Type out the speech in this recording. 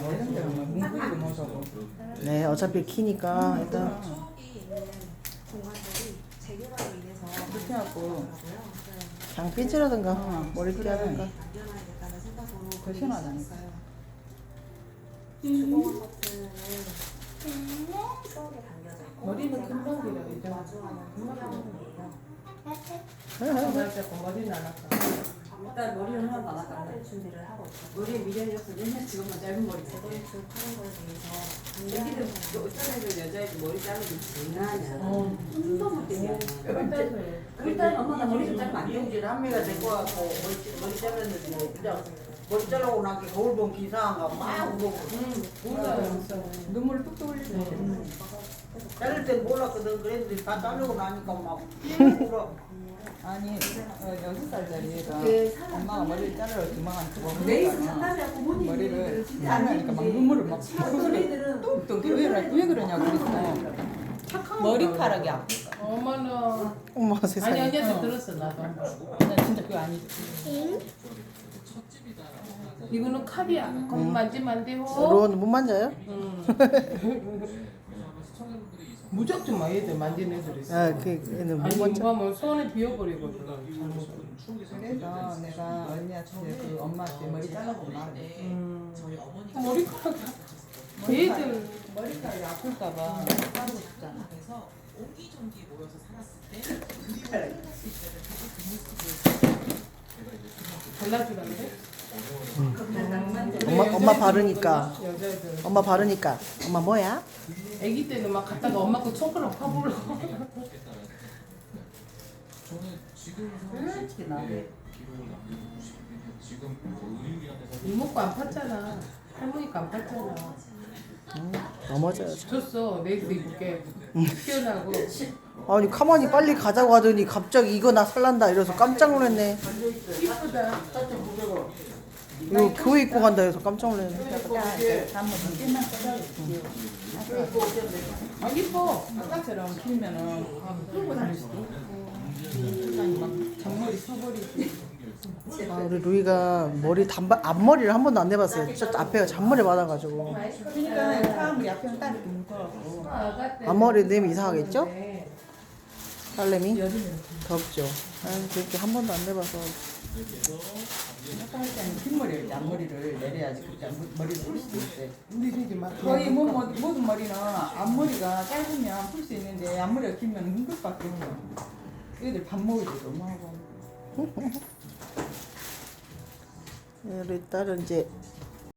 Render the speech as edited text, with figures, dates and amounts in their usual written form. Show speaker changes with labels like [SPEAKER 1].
[SPEAKER 1] 모르는데 뭐 공부도 못하고.
[SPEAKER 2] 네, 어차피 키니까 일단
[SPEAKER 3] 추억이 있는 공간들이 재개발로 인해서
[SPEAKER 1] 그렇게 하고
[SPEAKER 2] 그냥 삐지라든가 머리띠 하든가.
[SPEAKER 3] 남겨놔야겠다는 생각으로
[SPEAKER 1] 더 시원하다니까.
[SPEAKER 3] 주공 아파트는 추억에 담겨져 있고
[SPEAKER 1] 머리는 금방 길어 이제.
[SPEAKER 3] 마주하는 풍경이에요.
[SPEAKER 1] 정말 자꾸 머리는 안 아파.
[SPEAKER 4] 일단 머리는 하나도 안 아깝네.
[SPEAKER 3] 준비를 하고 있고
[SPEAKER 4] 머리에 미련이었어. 맨날 지금만 짧은 머리
[SPEAKER 3] 재건축 하는 거에 대해서
[SPEAKER 4] 애기들 어떤 애들 여자애들 머리 자르기 장난이야.
[SPEAKER 1] 어.
[SPEAKER 4] 못 되냐.
[SPEAKER 1] 일단
[SPEAKER 4] 일단 엄마가 머리 좀 자르면 안 돼.
[SPEAKER 5] 영질 한매가 데리고 와서 머리 잘랐는데 그냥 머리 자르고 나서 거울 본 기사한가 막 울고
[SPEAKER 1] 눈물 뚝뚝 흘리네.
[SPEAKER 5] 자를 땐 몰랐거든. 그랬는데 다 자르고 나니까 막 울어.
[SPEAKER 1] 아니 6살짜리 얘가
[SPEAKER 4] 그
[SPEAKER 1] 엄마가 머리를 자르러 주방한테
[SPEAKER 4] 레이스
[SPEAKER 1] 먹으니까
[SPEAKER 4] 상담이야 부모님
[SPEAKER 1] 머리를 자르니까 막 눈물을 막
[SPEAKER 4] 애들은
[SPEAKER 1] 뚝뚝 왜 그러냐고 그랬어. 머리카락이 아플까?
[SPEAKER 6] 어머나.
[SPEAKER 2] 어머
[SPEAKER 6] 아니
[SPEAKER 2] 세상에.
[SPEAKER 6] 언니한테 들었어 나도.
[SPEAKER 1] 난 진짜 그거 아니지.
[SPEAKER 6] 이거는 칼이야. 거기 만지면 안 돼요.
[SPEAKER 2] 로운 못 만져요?
[SPEAKER 6] 무작정 막 얘들 만지는 애들 있어.
[SPEAKER 2] 아, 그 얘는 못
[SPEAKER 6] 아니
[SPEAKER 2] 만져.
[SPEAKER 6] 이거 하면 손에 비어버리거든.
[SPEAKER 1] 그래서 내가 언니한테 그 엄마한테 머리 잘라주고 말해.
[SPEAKER 6] 머리카락. 얘들
[SPEAKER 1] 머리카락이 아플까봐 자르고 싶잖아.
[SPEAKER 6] 발라주는데?
[SPEAKER 2] 엄마 바르니까.
[SPEAKER 6] 여자애들.
[SPEAKER 2] 엄마 바르니까. 엄마 뭐야?
[SPEAKER 6] 아기 때는 막 갔다가 엄마 거 손가락 파불러.
[SPEAKER 1] 솔직히 나도
[SPEAKER 6] 이모거 안 팠잖아. 할머니가 안 팠잖아.
[SPEAKER 2] 넘어져요.
[SPEAKER 6] 줬어. 내일도 입을게. 피어나고.
[SPEAKER 2] 아니 가만히 빨리 가자고 하더니 갑자기 이거 나 살란다 이래서 깜짝 놀랐네.
[SPEAKER 6] 이쁘다.
[SPEAKER 2] 이거 교회 입고 간다 해서 깜짝 놀랐네.
[SPEAKER 1] 한번 늦게만 꺼내줄게.
[SPEAKER 6] 아 이뻐.
[SPEAKER 1] 아까처럼 길면은 끌고 다닐 수도 있고. 아니 막 잔머리 서버리고.
[SPEAKER 2] 아, 우리 루이가 머리 단발 앞머리를 한 번도 안 내봤어요. 저 앞에가 잔머리 받아가지고.
[SPEAKER 1] 그러니까 사람들이 앞에는 딱 이렇게 묶어갖고.
[SPEAKER 2] 앞머리 내면 이상하겠죠? 딸내미?
[SPEAKER 1] 여름에
[SPEAKER 2] 덥죠. 아, 그렇게 한 번도 안 내봐서.
[SPEAKER 1] 아까 할 때는 뒷머리를 앞머리를 내려야지 그때 머리를 풀 수도 있대.
[SPEAKER 6] 우리 되게 막
[SPEAKER 1] 거의 모든 머리는 앞머리가 짧으면 풀 수 있는데 앞머리가 길면 힘들 밖에 없어. 애들 밥 먹을 때 너무 하고.
[SPEAKER 2] 우리 딸은 이제